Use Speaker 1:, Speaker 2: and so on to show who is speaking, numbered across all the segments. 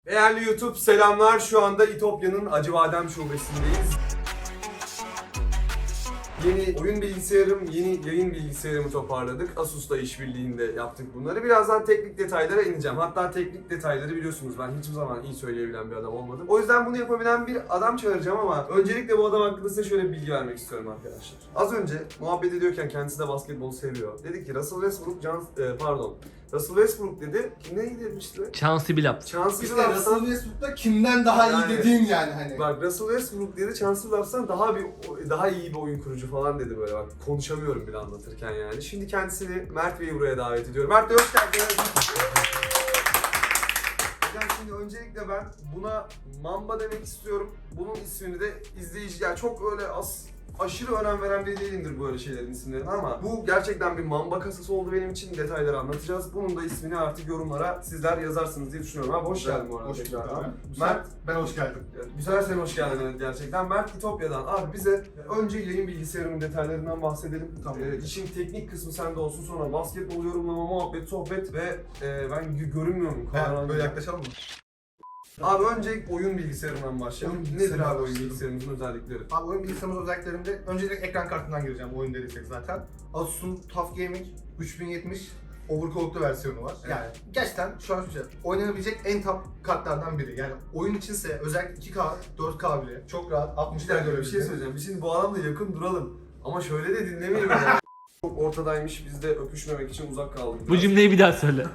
Speaker 1: Değerli YouTube selamlar. Şu anda İtopya'nın Acıbadem şubesindeyiz. Yeni oyun bilgisayarım, yeni yayın bilgisayarımı toparladık. Asus'la işbirliğinde yaptık bunları. Birazdan teknik detaylara ineceğim. Hatta teknik detayları biliyorsunuz ben hiçbir zaman iyi söyleyebilen bir adam olmadım. O yüzden bunu yapabilen bir adam çağıracağım ama öncelikle bu adam hakkında size şöyle bir bilgi vermek istiyorum arkadaşlar. Az önce muhabbet ediyorken kendisi de basketbolu seviyor. Dedi ki Russell Westbrook dedi. Kim neydi demişti?
Speaker 2: Chauncey Billups.
Speaker 1: Chauncey
Speaker 3: İşte
Speaker 1: Billups'tan-
Speaker 3: Russell Westbrook'ta kimden daha
Speaker 1: Yani-
Speaker 3: iyi dediğim yani hani.
Speaker 1: Bak Russell Westbrook dedi, Chauncey Billups'tan daha iyi bir oyun kurucu falan dedi böyle bak. Konuşamıyorum bile anlatırken yani. Şimdi kendisini Mert Bey'i buraya davet ediyorum. Mert Bey hoş geldiniz. Yani şimdi öncelikle ben buna Mamba demek istiyorum. Bunun ismini de izleyici, yani çok öyle aşırı önem veren biri değilimdir böyle şeylerin isimlerine ama bu gerçekten bir Mamba kasası oldu benim için. Detayları anlatacağız. Bunun da ismini artık yorumlara sizler yazarsınız diye düşünüyorum. Abi hoş geldin bu arada.
Speaker 3: Hoş bulduk
Speaker 1: tekrardan.
Speaker 3: abi.
Speaker 1: Mert,
Speaker 3: Ben hoş geldim.
Speaker 1: güzel sen hoş geldin evet, gerçekten. Mert İtopya'dan. Abi bize önce yayın bilgisayarının detaylarından bahsedelim.
Speaker 3: Tamam.
Speaker 1: İşin teknik kısmı sende olsun, sonra basketbol yorumlama, muhabbet, sohbet ve ben görünmüyorum.
Speaker 3: Evet, böyle yaklaşalım mı?
Speaker 1: Abi önce oyun bilgisayarından başlayalım.
Speaker 3: Oyun
Speaker 1: Nedir
Speaker 3: bilgisayarından
Speaker 1: abi oyun
Speaker 3: başlayalım.
Speaker 1: bilgisayarımızın özellikleri?
Speaker 3: Abi oyun bilgisayarımız özelliklerinde öncelikle ekran kartından gireceğim oyun dediysek zaten. Asus'un TUF Gaming 3070 overclocklu versiyonu var.
Speaker 1: Evet.
Speaker 3: Yani gerçekten şu an şu şey, oynanabilecek en top kartlardan biri. Yani oyun içinse özellikle 2K, 4K bile çok rahat 60'lara
Speaker 1: Bir dakika, bir şey
Speaker 3: görebileceğim.
Speaker 1: söyleyeceğim. Biz şimdi bu adamla yakın duralım. Ama şöyle de dinlemeyelim yani. Çok ortadaymış, biz de öpüşmemek için uzak kaldık.
Speaker 2: Bu cümleyi bir daha söyle.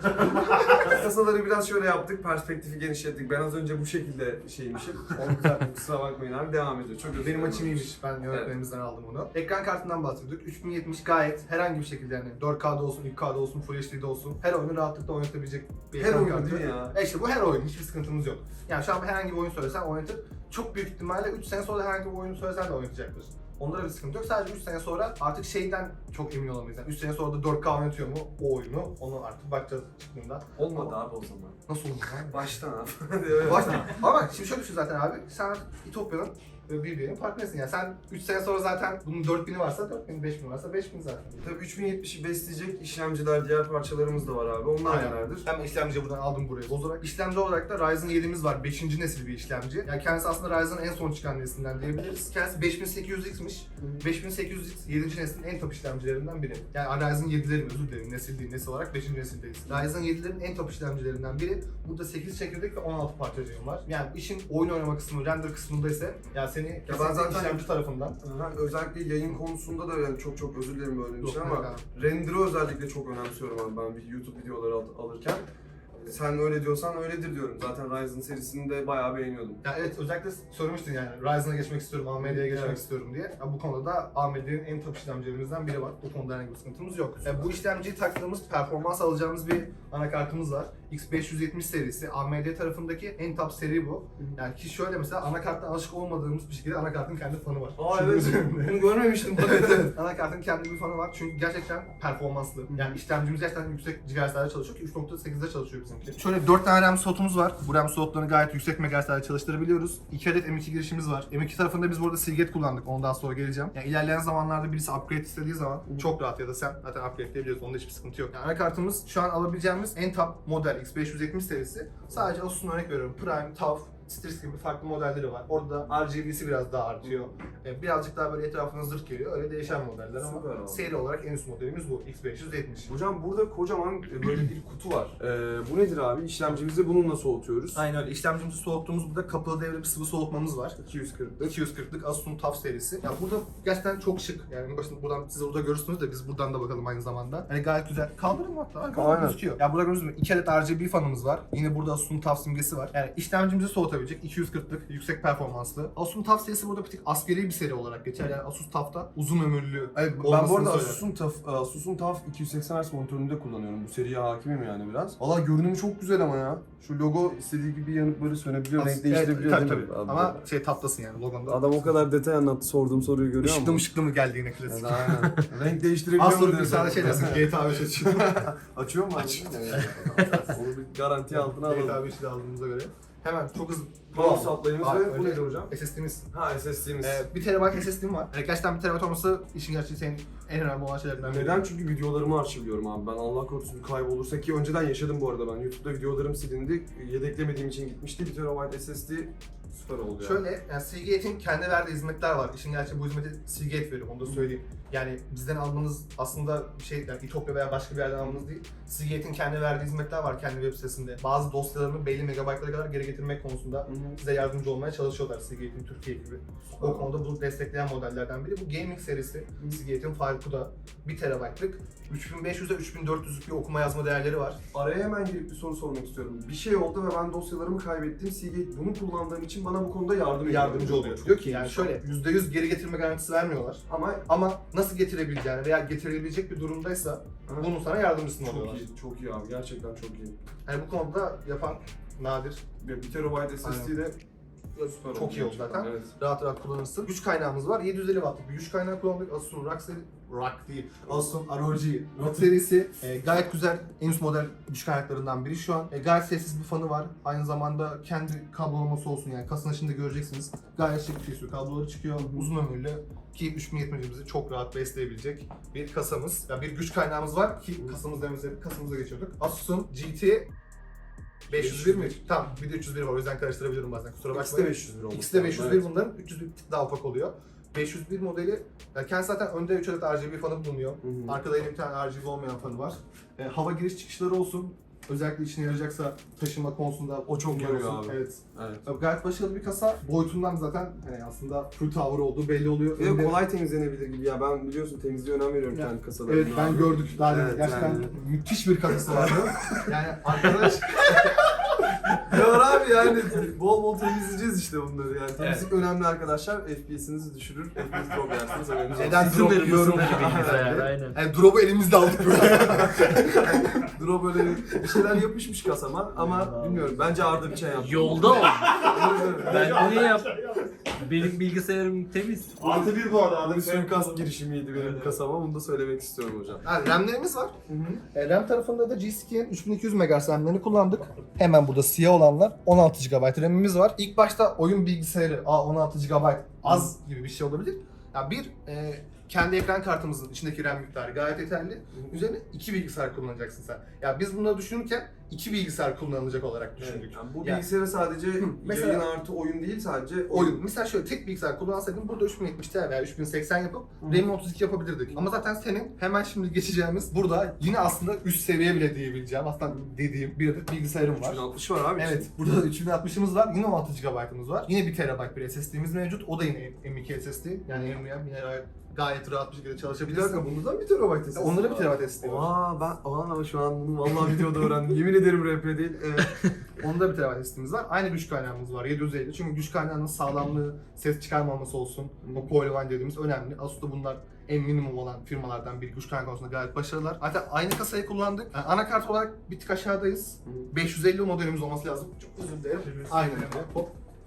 Speaker 1: Kasaları biraz şöyle yaptık, perspektifi genişlettik. Ben az önce bu şekilde şeymişim. Onu düzelttim, kusura bakmayın abi, devam ediyor. Çok özür
Speaker 3: Benim
Speaker 1: dilerim.
Speaker 3: açım iyiymiş. Ben yönetmenimizden aldım onu. Ekran kartından bahsediyorduk. 3070 gayet herhangi bir şekilde yani 4K'da olsun, 2K'da olsun, Full HD'de olsun her oyunu rahatlıkla oynatabilecek bir
Speaker 1: Her
Speaker 3: ekran
Speaker 1: oyun
Speaker 3: kartı.
Speaker 1: değil ya.
Speaker 3: İşte bu her oyun. Hiçbir sıkıntımız yok. Yani şu an herhangi bir oyun söylesen oynatıp çok büyük ihtimalle 3 sene sonra herhangi bir oyunu söylesen de oynatacaktır. Onlara bir sıkıntı yok. Sadece 3 sene sonra artık şeyden çok emin olamayız. Yani 3 sene sonra da 4K oynatıyor mu o oyunu? Onu artık bakacağız çıktığında.
Speaker 1: Olmadı abi o zaman.
Speaker 3: Nasıl olur lan?
Speaker 1: Baştan abi.
Speaker 3: Başla. Ama şimdi şöyle düşün zaten abi. Sen İtopya'nın birbirinin partnerisin. Yani sen 3 sene sonra zaten bunun 4000'i varsa 4000, 5000 varsa 5000 zaten.
Speaker 1: Tabii 3070'i besleyecek işlemciler, diğer parçalarımız da var abi. Onlar
Speaker 3: Aynen.
Speaker 1: nelerdir?
Speaker 3: Hem işlemciyi buradan aldım buraya bozarak. İşlemci olarak da Ryzen 7'miz var. 5. nesil bir işlemci. Yani kendisi aslında Ryzen'ın en son çıkan neslinden diyebiliriz. Kendisi 5800X'miş. 5800X 7. neslin en top işlemcilerinden biri. Yani Ryzen 7'lerin özür dilerim nesil değil, nesil olarak 5. nesildeyiz. Ryzen 7'lerin en top işlemcilerinden biri. Burada 8 çekirdek ve 16 parçacığım var. Yani işin oyun oynama kısmı, render kısmında ise yani seni
Speaker 1: ben
Speaker 3: kesinlikle
Speaker 1: zaten-
Speaker 3: işlemci tarafından
Speaker 1: Aha, özellikle yayın konusunda da yani çok özür dilerim böyle bir şey
Speaker 3: Yok,
Speaker 1: ama
Speaker 3: yok
Speaker 1: render'ı özellikle çok önemsiyorum abi ben bir YouTube videoları alırken. Sen öyle diyorsan öyledir diyorum. Zaten Ryzen serisini de bayağı beğeniyordum.
Speaker 3: Ya evet özellikle söylemiştin yani Ryzen'a geçmek istiyorum, AMD'ye geçmek
Speaker 1: Evet.
Speaker 3: istiyorum diye. Ya bu konuda da AMD'nin en top işlemcilerimizden biri var. Bu konuda herhangi bir sıkıntımız yok. Bu işlemciyi taktığımız, performans alacağımız bir anakartımız var. X570 serisi. AMD tarafındaki en top seri bu. Yani ki şöyle mesela anakarttan alışık olmadığımız bir şekilde anakartın kendi fanı var.
Speaker 1: Aa
Speaker 3: Şunun
Speaker 1: evet,
Speaker 3: üzerinde.
Speaker 1: bunu görmemiştim.
Speaker 3: Evet evet. Anakartın kendi bir fanı var çünkü gerçekten performanslı. Yani işlemcimiz gerçekten yüksek GHz'lerde çalışıyor ki 3.8'de çalışıyor bizimki. Şöyle 4 tane RAM slotumuz var. Bu RAM slotlarını gayet yüksek MHz'lerde çalıştırabiliyoruz. 2 adet M2 girişimiz var. M2 tarafında biz burada Seagate kullandık. Ondan sonra geleceğim. Yani ilerleyen zamanlarda birisi upgrade istediği zaman çok rahat ya da sen zaten upgrade edebiliyorsun. Onda hiçbir sıkıntı yok. Yani anakartımız şu an alabileceğimiz en top model X570 serisi. Sadece Asus'un örnek veriyorum. Prime, TUF, Strix gibi farklı modelleri var. Orada da RGB'si biraz daha artıyor. Birazcık daha böyle etrafına zırh geliyor. Öyle değişen modeller ama
Speaker 1: Süper abi.
Speaker 3: seri olarak en üst modelimiz bu. X570.
Speaker 1: Hocam burada kocaman böyle bir kutu var. Bu nedir abi? İşlemcimizi bununla soğutuyoruz.
Speaker 3: Aynen öyle. İşlemcimizi soğuttuğumuz burada kapalı devre bir sıvı soğutmamız var.
Speaker 1: 240.
Speaker 3: 240'lık Asus'un TUF serisi. Ya burada gerçekten çok şık. Yani başında buradan siz burada görürsünüz de biz buradan da bakalım aynı zamanda. Hani gayet güzel. Kaldırın mı hatta? Arkadan
Speaker 1: Aynen.
Speaker 3: gözüküyor. Ya burada gördüğünüz gibi 2 adet RGB fanımız var. Yine burada Asus'un TUF simgesi var. Yani işlemcimizi soğutabilecek 240'lık yüksek performanslı. Asus'un TUF serisi burada bir tık askeri bir seri olarak geçer. Yani Asus TUF'ta uzun ömürlü
Speaker 1: Evet, ben bu
Speaker 3: olmasını
Speaker 1: arada
Speaker 3: söyler.
Speaker 1: Asus'un TUF 280 Hz monitörünü de kullanıyorum. Bu seriye hakimim yani biraz. Valla görünümü çok güzel ama ya. Şu logo istediği gibi yanıp böyle sönebiliyor, renk değiştirebiliyor
Speaker 3: Evet,
Speaker 1: değil mi?
Speaker 3: tabii.
Speaker 1: Abi,
Speaker 3: Ama şey taptasın yani logonda.
Speaker 1: adam o kadar detay anlattı, sorduğum soruyu görüyor
Speaker 3: Işıklı
Speaker 1: musun?
Speaker 3: mışıklı mı geldi yine klasik.
Speaker 1: Yani aynen. Renk değiştirebiliyor
Speaker 3: Az sonra
Speaker 1: mu
Speaker 3: bir sana şey dersin GTA 5 açıyor.
Speaker 1: Açıyor mu?
Speaker 3: Açıyor.
Speaker 1: Onu bir garanti altına alalım.
Speaker 3: GTA 5'i de aldığımıza göre. Hemen çok hızlı.
Speaker 1: Power supply'ımız
Speaker 3: Abi,
Speaker 1: ve bu
Speaker 3: önce
Speaker 1: nedir hocam?
Speaker 3: SSD'miz.
Speaker 1: Ha SSD'miz.
Speaker 3: 1 TB SSD'm var. Gerçekten 1 TB olması işin gerçeği senin en önemli olan şeylerden biri.
Speaker 1: Neden? Çünkü videolarımı arşivliyorum abi. Ben Allah korusun kaybolursa, ki önceden yaşadım bu arada ben. YouTube'da videolarım silindi. Yedeklemediğim için gitmişti. 1 TB SSD süper oldu ya.
Speaker 3: Şöyle, yani Seagate'in kendi verdiği hizmetler var. İşin gerçeği bu hizmeti Seagate veriyor, onu da söyleyeyim. Yani bizden almanız aslında bir şey, yani İtopya veya başka bir yerden almanız değil. Seagate'in kendi verdiği hizmetler var kendi web sitesinde. Bazı dosyalarını belli megabaytlara kadar geri getirmek konusunda size yardımcı olmaya çalışıyorlar Seagate'in Türkiye gibi. O konuda bunu destekleyen modellerden biri. Bu gaming serisi Seagate'in FileCode'a 1 TB'lık 3500'e 3400'lük bir okuma yazma değerleri var.
Speaker 1: Araya hemen girip bir soru sormak istiyorum. Bir şey oldu ve ben dosyalarımı kaybettim. Seagate bunu kullandığım için bana bu konuda
Speaker 3: Yardımcı oluyor.
Speaker 1: Çok
Speaker 3: Diyor ki
Speaker 1: iyi.
Speaker 3: yani şöyle %100 geri getirme garantisi vermiyorlar. Ama nasıl getirebileceğini veya getirilebilecek bir durumdaysa bunun sana yardımcısını
Speaker 1: çok
Speaker 3: oluyorlar.
Speaker 1: iyi, çok iyi abi. Gerçekten çok iyi.
Speaker 3: Yani bu konuda yapan nadir.
Speaker 1: 1 TB SSD de süper
Speaker 3: Çok iyi oldu
Speaker 1: gerçekten,
Speaker 3: zaten.
Speaker 1: Evet.
Speaker 3: Rahat rahat kullanırsın. Güç kaynağımız var. 750 wattlık bir güç kaynağı kullandık. Asus'un Asus'un ROG Rock serisi. Gayet güzel, en üst model güç kaynaklarından biri şu an. Gayet sessiz bir fanı var. Aynı zamanda kendi kablolaması olsun, yani kasanın içinde göreceksiniz. Gayet şık bir şey. Kabloları çıkıyor. Uzun ömürlü ki 3070'imizi çok rahat besleyebilecek bir kasamız. Yani bir güç kaynağımız var ki kasamıza geçiyorduk. Asus'un GT 501 mi? Tamam, bir de 301 var, o yüzden karıştırabiliyorum bazen, kusura
Speaker 1: İkisi
Speaker 3: bakmayın.
Speaker 1: de 501 oldu.
Speaker 3: İkisi de 501, bunların 300 bir tık daha ufak oluyor. 501 modeli, yani kendisi zaten önde 3 adet RGB fanı bulunuyor.
Speaker 1: Hı.
Speaker 3: Arkada yine bir tane RGB olmayan fanı var. Hava giriş çıkışları olsun. Özellikle işine yarayacaksa taşıma konusunda
Speaker 1: O çok
Speaker 3: bunlar
Speaker 1: yarıyor
Speaker 3: olsun.
Speaker 1: abi.
Speaker 3: Evet.
Speaker 1: Evet.
Speaker 3: Tabii gayet başarılı bir kasa. Boyutundan zaten hani aslında full tower olduğu belli oluyor.
Speaker 1: Bir de
Speaker 3: Önde-
Speaker 1: kolay temizlenebilir gibi ya. Ben biliyorsun temizliğe önem veriyorum
Speaker 3: Ya,
Speaker 1: kendi kasalarımda.
Speaker 3: Evet, ben gördük daha demin.
Speaker 1: Evet,
Speaker 3: Gerçekten
Speaker 1: yani.
Speaker 3: müthiş bir kasası vardı. Yani arkadaş
Speaker 1: Ya abi yani bol bol temizleyeceğiz işte bunları yani. Temizlik önemli arkadaşlar. FPS'inizi düşürür. FPS drop yersiniz. haberiniz olsun.
Speaker 3: neden drop
Speaker 2: Sınır
Speaker 3: yiyorum?
Speaker 2: gibi bilgisayar, aynen.
Speaker 3: Yani drop'u elimizde aldık böyle.
Speaker 1: Drop böyle bir şeyler yapışmış kasama ama bilmiyorum. Bence Arda bir şey yaptı.
Speaker 2: Yolda ol. Ben niye yap? Benim bilgisayarım temiz.
Speaker 4: Artı bir bu arada. Arada
Speaker 1: Bir suikast girişimiydi benim kasama. Bunu da söylemek istiyorum hocam.
Speaker 3: Yani RAM'lerimiz var. RAM tarafında da G-Skinn'in 3200 MHz RAM'lerini kullandık. Hemen burada siyah olanlar 16 GB RAM'imiz var. İlk başta oyun bilgisayarı 16 GB az gibi bir şey olabilir. Ya kendi ekran kartımızın içindeki RAM miktarı gayet yeterli. Üzerine 2 bilgisayar kullanacaksın sen. Ya biz bunları düşünürken 2 bilgisayar kullanılacak olarak düşündük.
Speaker 1: Yani bu
Speaker 3: Yani-
Speaker 1: bilgisayara sadece
Speaker 3: Mesela-
Speaker 1: yayın artı oyun değil, sadece
Speaker 3: Oyun. Mesela şöyle tek bilgisayar kullansaydım burada 3070 Ti veya 3080 yapıp RAM'i 32 yapabilirdik. Ama zaten senin hemen şimdi geçeceğimiz burada yine aslında üst seviye bile diyebileceğim, aslında dediğim bir adet bilgisayarım var.
Speaker 1: 360 var abi.
Speaker 3: Evet, burada da 3060'ımız var, yine 16 GB'ımız var. Yine 1 TB bir SSD'miz mevcut, o da yine M.2 SSD. Yani NVMe yine gayet rahat bir şekilde
Speaker 1: Bir
Speaker 3: çalışabilirsin.
Speaker 1: dakika, bunda da 1 TB SSD.
Speaker 3: Onda da 1 TB SSD var.
Speaker 1: Aa şu an bunu vallahi videoda öğrendim. Yemin ederim RP değil. Evet.
Speaker 3: Onda 1 TB SSD'miz var. Aynı güç kaynağımız var 750. Çünkü güç kaynağının sağlamlığı, ses çıkarmaması olsun. O Coil One dediğimiz önemli. Asus'ta bunlar en minimum olan firmalardan biri. Güç kaynağı konusunda gayet başarılılar. Hatta aynı kasayı kullandık. Yani anakart olarak bir tık aşağıdayız. 550 modelimiz olması lazım. Çok özür dilerim. Aynen öyle. Hop.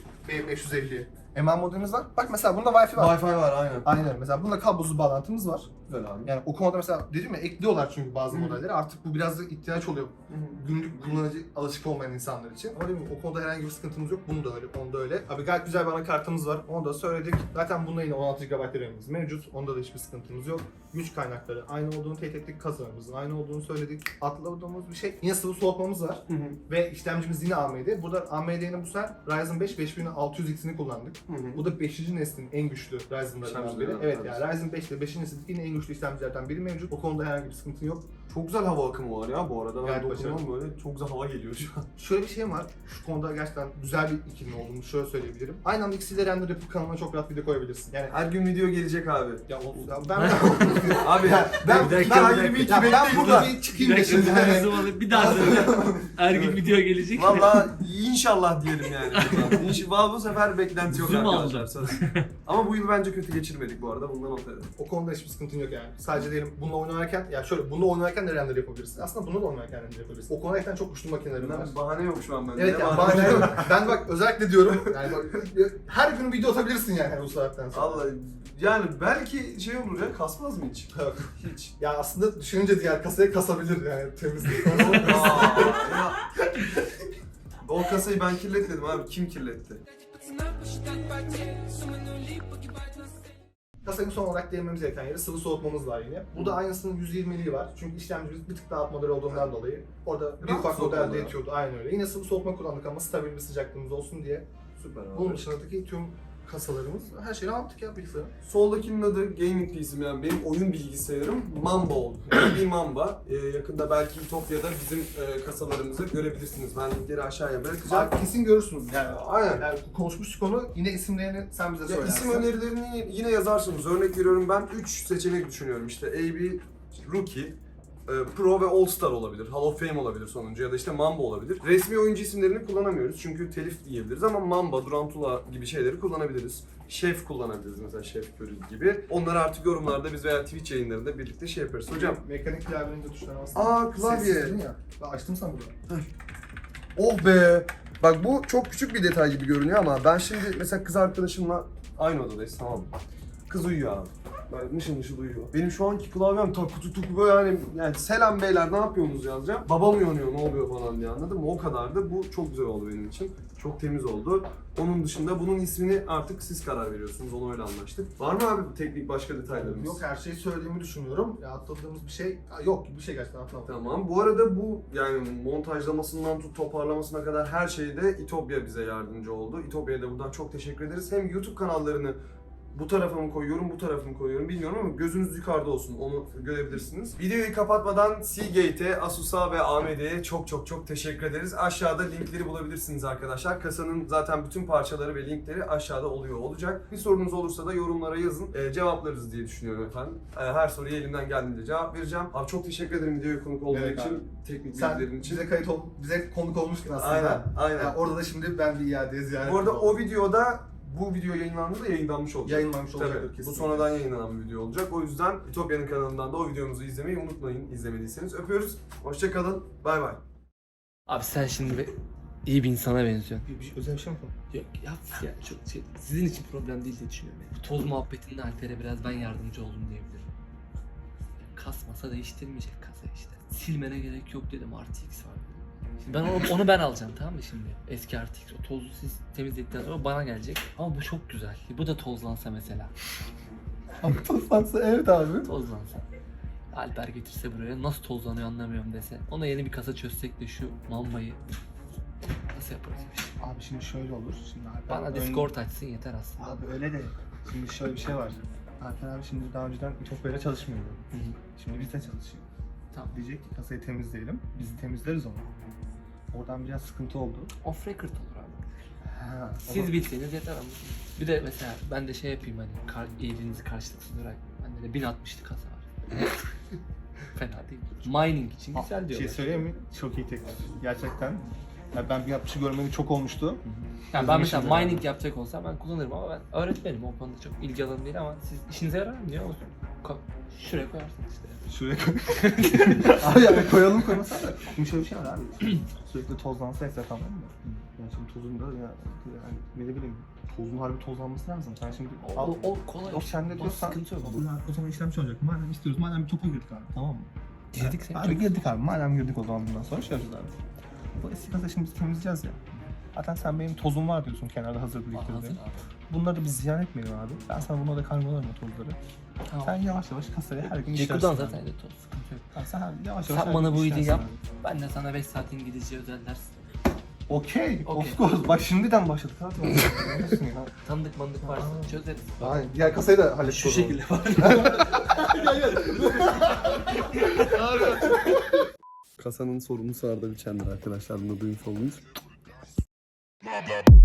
Speaker 3: B550. ML modelimiz var. Bak mesela bunda Wi-Fi var.
Speaker 1: Wi-Fi var aynen.
Speaker 3: Aynen, mesela bunda kablosuz bağlantımız var.
Speaker 1: Güzel abi.
Speaker 3: Yani o konuda mesela dedim ya, ekliyorlar çünkü bazı modelleri. Artık bu biraz da ihtiyaç oluyor. Günlük kullanıcı alışık olmayan insanlar için. Ama değil mi? O konuda herhangi bir sıkıntımız yok. Bunu da öyle, onu da öyle. Abi gayet güzel bir anakartımız var. Onu da söyledik. Zaten bunda yine 16 GB RAM'imiz mevcut. Onda da hiçbir sıkıntımız yok. Güç kaynakları aynı olduğunu, tek kasalarımızın aynı olduğunu söyledik. Atladığımız bir şey. Yine sıvı soğutmamız var. Ve işlemcimiz yine AMD. Burada AMD'nin bu sefer Ryzen 5 5600X'ini kullandık. Bu da 5. neslin en güçlü Ryzen'larından biri. Evet, yani Ryzen 5 ile 5. nesil yine en güçlü işlemcilerden biri mevcut. O konuda herhangi bir sıkıntı yok.
Speaker 1: Çok güzel hava akımı var ya bu arada. Ben
Speaker 3: Gayet
Speaker 1: dokunuyorum böyle. Çok güzel hava geliyor şu an.
Speaker 3: Şöyle bir şey var. Şu konuda gerçekten güzel bir ikilinin olduğunu şöyle söyleyebilirim. Aynı anda ikisiyle render yapıp kanalına çok rahat video koyabilirsin. Yani
Speaker 1: Her gün video gelecek abi.
Speaker 3: ya olsun. Ya ben
Speaker 1: Abi
Speaker 3: ben
Speaker 2: Bir dakika,
Speaker 3: ben,
Speaker 2: bir dakika.
Speaker 3: bir iki ben burada bir çıkayım da şimdi.
Speaker 2: Bir daha söyle. Her gün video gelecek.
Speaker 1: Valla inşallah diyelim yani. İnşallah bu sefer beklenti yok
Speaker 2: Zoom
Speaker 1: arkadaşlar.
Speaker 2: aldım.
Speaker 1: Söz. Ama bu yıl bence kötü geçirmedik bu arada. Bundan not edelim.
Speaker 3: O konuda hiçbir sıkıntın yok yani. Sadece diyelim bununla oynarken, ya şöyle bununla oynarken de render yapabilirsin. Aslında bununla da oynarken render yapabilirsin. O konuda gerçekten çok güçlü makinelerim var.
Speaker 1: Bahane yok şu an bende.
Speaker 3: Evet
Speaker 1: Ne
Speaker 3: yani
Speaker 1: bahane
Speaker 3: bahane
Speaker 1: yok?
Speaker 3: yok. Ben bak özellikle diyorum. Yani bak, her gün video atabilirsin yani bu saatten sonra.
Speaker 1: Vallahi yani belki şey olur ya, kasmaz mı hiç?
Speaker 3: Yok.
Speaker 1: Hiç.
Speaker 3: Ya aslında düşününce diğer kasaya kasabilir yani temizlik.
Speaker 1: Aa, ya. O kasayı ben kirletmedim abi. Kim kirletti?
Speaker 3: Kasanın son olarak değinmemiz gereken yeri sıvı soğutmamız var yine. Burada aynısının 120'liği var. Çünkü işlemcimiz bir tık daha alt model olduğundan dolayı orada bir
Speaker 1: Rahat
Speaker 3: ufak
Speaker 1: soğutmalı.
Speaker 3: modelde yetiyordu. Aynen öyle. Yine sıvı soğutma kullandık ama stabil bir sıcaklığımız olsun diye.
Speaker 1: Süper abi.
Speaker 3: Bunun dışındaki tüm kasalarımız her şeyi aldık ya bilgisayarı.
Speaker 1: Soldakinin adı gaming PC'm, yani benim oyun bilgisayarım Mamba oldu. Bir Mamba. Yakında belki Ütopya'da bizim kasalarımızı görebilirsiniz. Ben linkleri aşağıya bırakacağım.
Speaker 3: Abi kesin görürsünüz yani.
Speaker 1: Aynen.
Speaker 3: Yani konuşmuştuk konu. Yine isimlerini sen bize
Speaker 1: Ya
Speaker 3: söylersin.
Speaker 1: isim önerilerini yine yazarsınız. Örnek veriyorum, ben 3 seçenek düşünüyorum. İşte AB, Rookie, Pro ve All Star olabilir. Hall of Fame olabilir sonuncu, ya da işte Mamba olabilir. Resmi oyuncu isimlerini kullanamıyoruz çünkü telif diyebiliriz ama Mamba, Durantula gibi şeyleri kullanabiliriz. Şef kullanabiliriz mesela, Şef Curry gibi. Onları artık yorumlarda biz veya Twitch yayınlarında birlikte şey yaparız. Hocam.
Speaker 3: Mekanik klavyenin de tuşlarına bastım.
Speaker 1: Aa, klavye.
Speaker 3: Sessizledin ya. Ben açtım sen bunu.
Speaker 1: Oh be! Bak bu çok küçük bir detay gibi görünüyor ama ben şimdi mesela kız arkadaşımla aynı odadayız, tamam mı? Kız uyuyor abi. Böyle mışıl mışıl uyuyor. Benim şu anki klavyem takı tutuk böyle yani selam beyler ne yapıyorsunuz yazacağım. Babam uyanıyor ne oluyor falan diye, anladın mı? O kadardı. Bu çok güzel oldu benim için. Çok temiz oldu. Onun dışında bunun ismini artık siz karar veriyorsunuz. Onu öyle anlaştık. Var mı abi teknik başka detaylarımız?
Speaker 3: Yok, her şeyi söylediğimi düşünüyorum. Ya atladığımız bir şey yok, bir şey gerçekten atladım.
Speaker 1: Tamam. Bu arada bu yani montajlamasından tut toparlamasına kadar her şeyde İtopya bize yardımcı oldu. İtopya'ya da buradan çok teşekkür ederiz. Hem YouTube kanallarını bu tarafa mı koyuyorum, bu tarafa mı koyuyorum bilmiyorum ama gözünüz yukarıda olsun, onu görebilirsiniz. Videoyu kapatmadan Seagate'e, Asus'a ve AMD'ye çok teşekkür ederiz. Aşağıda linkleri bulabilirsiniz arkadaşlar. Kasanın zaten bütün parçaları ve linkleri aşağıda olacak. Bir sorunuz olursa da yorumlara yazın. Cevaplarız diye düşünüyorum efendim. Her soruya elimden geldiğince cevap vereceğim. Abi çok teşekkür ederim videoya konuk olduğun
Speaker 3: Evet
Speaker 1: için,
Speaker 3: abi.
Speaker 1: teknik
Speaker 3: Sen
Speaker 1: bilgilerin için.
Speaker 3: bize konuk olmuştun aslında.
Speaker 1: Aynen.
Speaker 3: Yani orada da şimdi ben bir iadeye ziyaret
Speaker 1: Bu arada
Speaker 3: ediyorum.
Speaker 1: o videoda bu video yayınlandığında yayınlanmış olacak.
Speaker 3: Yayınlanmış olacaktır
Speaker 1: Tabii. Bu
Speaker 3: kesinlikle.
Speaker 1: sonradan yayınlanan bir video olacak. O yüzden Ütopya'nın kanalından da o videomuzu izlemeyi unutmayın, izlemediyseniz. Öpüyoruz. Hoşça kalın. Bay bay.
Speaker 2: Abi sen şimdi iyi bir insana benziyorsun.
Speaker 3: Özel bir şey mi konu?
Speaker 2: Yok yap ya, çok sizin için problem değil diye düşünüyorum. Yani. Bu toz muhabbetinde Alper'e biraz ben yardımcı oldum diyebilirim. Kasmasa değiştirmeyecek kasa işte. Silmene gerek yok dedim, RTX var. Şimdi ben onu ben alacağım, tamam mı şimdi? Eski RTX, o tozu siz temizledikten sonra bana gelecek. Ama bu çok güzel. Bu da tozlansa mesela.
Speaker 3: Ama tozlansa evet abi.
Speaker 2: Tozlansa. Alper getirse buraya nasıl tozlanıyor anlamıyorum dese. Ona yeni bir kasa çözsek de şu Mamba'yı nasıl yaparız?
Speaker 3: Abi şimdi şöyle olur. Şimdi Alper
Speaker 2: Bana Discord açsın yeter aslında.
Speaker 3: Abi öyle de. Şimdi şöyle bir şey var. Alper abi şimdi daha önceden Ütopya'yla çalışmıyordu.
Speaker 2: Hı hı.
Speaker 3: Şimdi bizde çalışıyor.
Speaker 2: Tamam.
Speaker 3: Diyecek ki kasayı temizleyelim. Biz temizleriz onu. Oradan biraz sıkıntı oldu.
Speaker 2: Off record olur abi.
Speaker 3: Ha,
Speaker 2: Siz bilseniz yeter ama. Bir de mesela ben de şey yapayım hani iyiliğinizi karşılıksız olarak. Bende de 1060'lık kasa var. Fena değil. Mining için güzel
Speaker 3: bir
Speaker 2: diyorlar.
Speaker 3: şey söyleyeyim mi? Çok iyi teklif. Gerçekten. Ya ben bir yapışı görmeni çok olmuştu.
Speaker 2: Yani ben mesela
Speaker 3: Üzülmüşüm
Speaker 2: mining yapacak olsam ben kullanırım ama ben öğretmenim, o konuda çok ilgi alanım değil ama siz işinize yarar mı diyor musun? Şuraya koyarsınız işte.
Speaker 3: Şuraya koy. Abi yani koyalım koymasana. Şimdi şöyle bir şey var abi. Sürekli tozlansa etraf, tamam mı? Yani şimdi tozun da yani ne bileyim, tozun harbi tozlanması lazım. Sen şimdi
Speaker 2: O kolay.
Speaker 3: o sende diyorsan
Speaker 2: sıkıntı yok.
Speaker 3: o zaman işlem olacak. Madem istiyoruz, madem bir topa girdik abi, tamam mı?
Speaker 2: Girdik sen.
Speaker 3: Abi girdik abi, madem girdik o zaman bundan sonra şey yapacağız abi. Bu eski kasa şimdi biz temizleyeceğiz ya. Zaten sen benim tozum var diyorsun kenarda hazır
Speaker 2: Hazır
Speaker 3: biriktirdiğin.
Speaker 2: abi.
Speaker 3: Bunları biz ziyan etmeyelim abi. Ben sana bunları da karmalarım o tozları.
Speaker 2: Tamam.
Speaker 3: Sen yavaş yavaş kasayı her gün işlersin.
Speaker 2: Ceku'dan
Speaker 3: abi.
Speaker 2: zaten de toz sıkıntı yok.
Speaker 3: Tamam, sen yavaş yavaş
Speaker 2: Sen
Speaker 3: her
Speaker 2: bana
Speaker 3: gün
Speaker 2: bu iyiliği
Speaker 3: işlersin
Speaker 2: yap.
Speaker 3: abi.
Speaker 2: Ben de sana 5 saat İngilizce özel ders.
Speaker 3: Okey,
Speaker 2: Okey.
Speaker 3: of course. Bak şimdiden başladık abi. Ne diyorsun ya?
Speaker 2: Tanıdık mandık varsa çözeriz.
Speaker 3: Aynen. Diğer kasayı da hallettik.
Speaker 2: Şu şekilde var.
Speaker 1: Kasanın sorumlusu Arda Biçen'dir arkadaşlar. Bunu duymuş oldunuz.